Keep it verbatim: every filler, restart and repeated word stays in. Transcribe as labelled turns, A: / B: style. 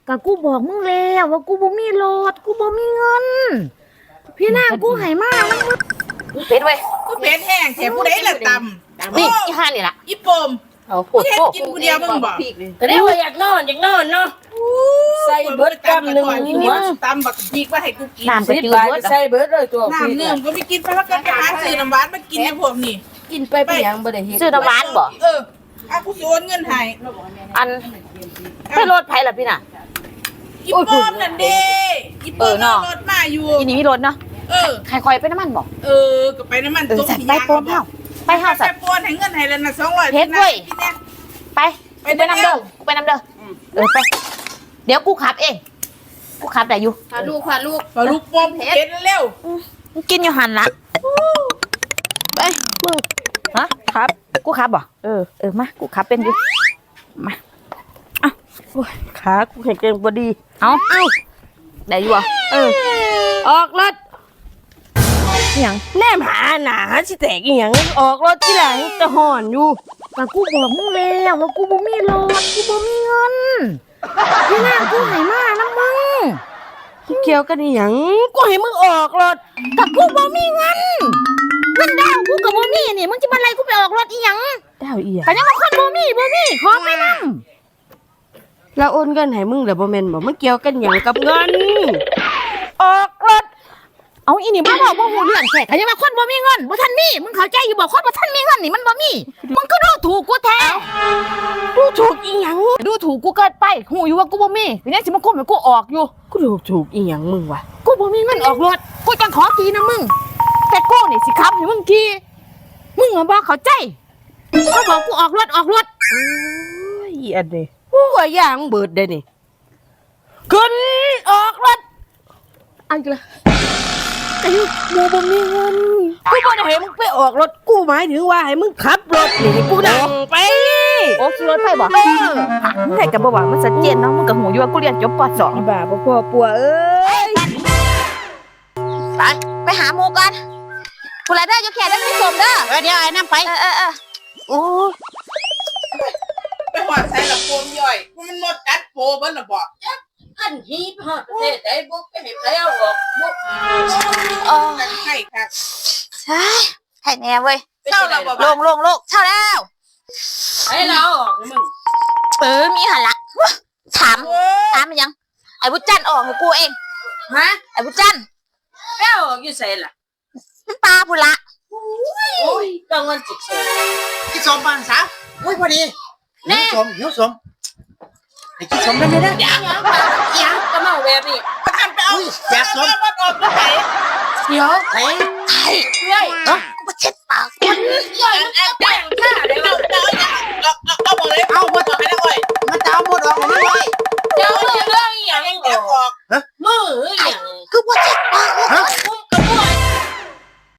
A: ก็กูบอกมึงแล้วว่ากูบ่มีรถกูบ่มีเงินพี่นางกูให้มาแล้วมึง
B: เป็ดเว้ย
C: กูเพชรแห้งแถมผู้ใดละตำ
B: นี่อีห่านี่ล่ะ
C: อีปม
B: เอาโคตร
C: เฮ็ด
B: โคตร
C: กินผู้เดียวมึงบอก
D: ก็ได้ว่าอยากนอนอยากนอนเนาะใส่เบิดกำหนึ่ง
C: นี่
D: หัว
C: ตำบักพริกว่าให้กูกิน
A: น้ำก็
D: สิบ
A: จืด
D: บาท
A: เบิด
D: ก็ใส่เบิดเลยตัว
C: น้ำเนื่มก็ไม่กินไปแล้วกันไปหาซื้อน้ำหวานมากินในพวกนี้
D: กินไปเป็นหยังบ่ได้เฮ็ด
B: ซื้อน้ำหวานบ่
C: เอออ่ะกูโอนเงินให้
B: อันไปรถไผล่ะพี่น่ะ
C: อีปมนั่นเด้อีป
B: เอ
C: ม
B: อเนาะ
C: รถมาอยู่
B: อีนี่มีรถเนาะ
C: เออ
B: ใครคอยไปน้ำมันบ่
C: เออก็ไปน้ำมัน
B: เออสัตว์ไปโปนเฮาไปเฮาสัต
C: ไป
B: ว์
C: โปนให้เงินให้แล้วนะสองร้อย
B: เฮ็ดเว้ย
C: พี่เนี่ย
B: ไป
C: ไป
B: ไปน้ำ
C: เด้
B: เด้
C: อ
B: อไปน้ำเด้อเออไปเดี๋ยวกูขับเองกูขับได้อยู่
D: พาลูกพาลูก
C: ปลาลูกปมเฮ็ดเร็ว
B: มึงกินอยู่หันละไปมึงฮะครับกูขับบ่เออเออมากูขับเป็นอยู่มา
D: ขากูแข็งแรงบ่ดี
B: เอาเอาได้อยู่บ่
D: เออออกรถ
B: อิหยัง
D: แนมหาหนาสิแตกอีหยังออกรถที่หลังจะห่อนอยู่
A: ก็กูบอกมึงแล้วว่ากูบ่มีรถกูบ่มีเงินพี่นางกูให้มาแล้วมึง
D: เกี่ยวกันอีหยังกูให้มึงออกรถ
A: ก็กูบ่มีเงินเงินดาวกูก็บ่มีนี่มึงจะมาไล่กูไปออกรถอีหยัง
D: ดาวอีหยัง
A: ก็ยังมาคนบ่มีบ่มีขอไปนำ
D: เราโอนเงินให้มึงแล้วบ่แม่นบ่มันเกี่ยวกันหยังกับเงินออกรถ
A: เอาอีนี่บ่บอกบ่ฮู้เรื่องแท้ก็ยังมาคนบ่มีเงินบ่ทันมีมึงเข้าใจอยู่บ่คนบ่ทันมีเงินนี่มันบ่มีมึงก็ดูถูกกูแท้
D: ดูถูกอีหยัง
A: ดูถูกกูเกินไปฮู้อยู่ว่ากูบ่มีทีนี้สิมาคุมให้กูออกอยู่
D: กูดูถูกอีหยังมึงวะ
A: กูบ่มีเงินออกรถกูจังขอขี่นะมึงแต่กูนี่สิขับให้มึงขี่มึงอะบ่เข้าใจเขาบอกกูออกรถออกรถ
D: โอ้ยอีอันนี้กูว่าอย่างเบิดได้นี่ขึ้นออกรถ
A: เอาอีกและแต่อยู่กูบ่มีเงิน
D: กูบ่ได้ให้มึงไปออกรถกูหมายถึงว่าให้มึงขับรถนี่กูดังไป
A: โอ้ขี่รถไปบ่มึงได้ก็บ่ว่ามันชัดเจนเนาะมึงก็ฮู้อยู่ว่ากูเรียนจบป สอง
D: อีบ้าบ่พ่อปัวเอ้ย
B: ไปไปหาหมูกันผู้ใดได้ยกแขนได้ไม่สมเด้อ
D: เออเดี๋ยวไอ้น้ำไป
B: เออเออเออโอ้
C: ไปหอดใส่ละโปมย่อยมันหมดกัดโปเบิ้ลละบอก
D: อันฮีพอดประเทศได้บุกไปให้ใครเอาออกบุก
B: เออ
C: กันให้ค่ะ
B: ใช่ให้แน่เว้ย
C: เศร้าเราบอก
B: ลงลงลงเท่าแล้ว
D: ให้เราออกมึง
B: เออมีหันละถามถามมันยังไอ้บุญจันทร์ออกให้กูเอง
D: ฮะ
B: ไอ้บุญจันทร์
D: แป้วออกอยู่ใส่ล่ะ
B: มันปลาพุละ
D: โอ้ยต้องเงินจิกเสีย
E: กินสมบ้างสาวอุ้ยพอดีหิวสมหิวสมให้กินสมได้ไหมนะ
D: ยังยังยังก็เมาแบบนี้
C: ประกันไปเอา
E: อุ้ยอยากสม
C: มันออกมาไหน
D: เดี๋ยว
E: ไอ้
B: ไอ้
D: เฮ้ย
B: กูมาเช็ดปากกู
D: ย่อยมันแป้งข้าได้
C: เต่า
D: บ่
C: เต่า